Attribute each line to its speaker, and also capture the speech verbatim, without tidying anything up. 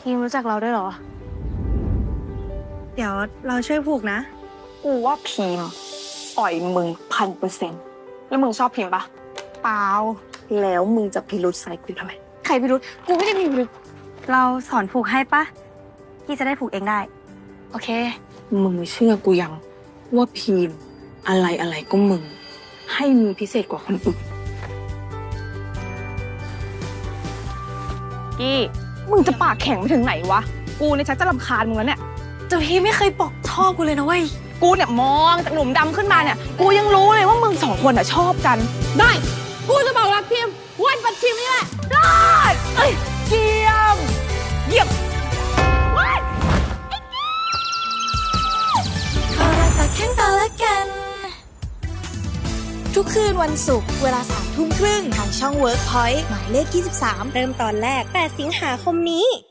Speaker 1: ทีมรู้จักเราด้วยเหรอ
Speaker 2: เดี๋ยวเราช่วยผูกนะ
Speaker 3: กูว่าพิมพ์อ่อยมึงพันเปอร์เซ็นต์แล้วมึงชอบพิมพ์ปะ
Speaker 1: เปล่า
Speaker 3: แล้วมึงจะพิรุษใส่กูทำไม
Speaker 1: ใครพิรุธกูไม่ได้มีพิรุธ
Speaker 2: เราสอนผูกให้ปะพี่จะได้ผูกเองได้
Speaker 1: โอเค
Speaker 3: มึงเชื่อกูยังว่าพิมพ์อะไรอะไรก็มึง ให้มึงพิเศษกว่าคนอื่น
Speaker 1: กี้ มึงจะปากแข็งไปถึงไหนวะ กูเนี่ยชักจะรำคาญมึงแล้วเนี่ย
Speaker 2: แต่พี่ไม่เคยบอกชอบกูเลยนะเว้ย
Speaker 1: กูเนี่ยมองจากหลุมดำขึ้นมาเนี่ย กูยังรู้เลยว่ามึงสองคนอ่ะชอบกัน ได้ กูจะบอกรักพิมวันปัดพิมนี่แหละ ได้เอ้ยเยี่ยม เยี่ยมว้าย
Speaker 4: เขารักต่อแข้งต่อละกัน ทุกคืนวันศุกร์เวลาสามทุ่มครึ่งทางช่อง Workpoint หมายเลขยี่สิบสาม
Speaker 2: เริ่มตอนแรกแปดสิงหาคมนี้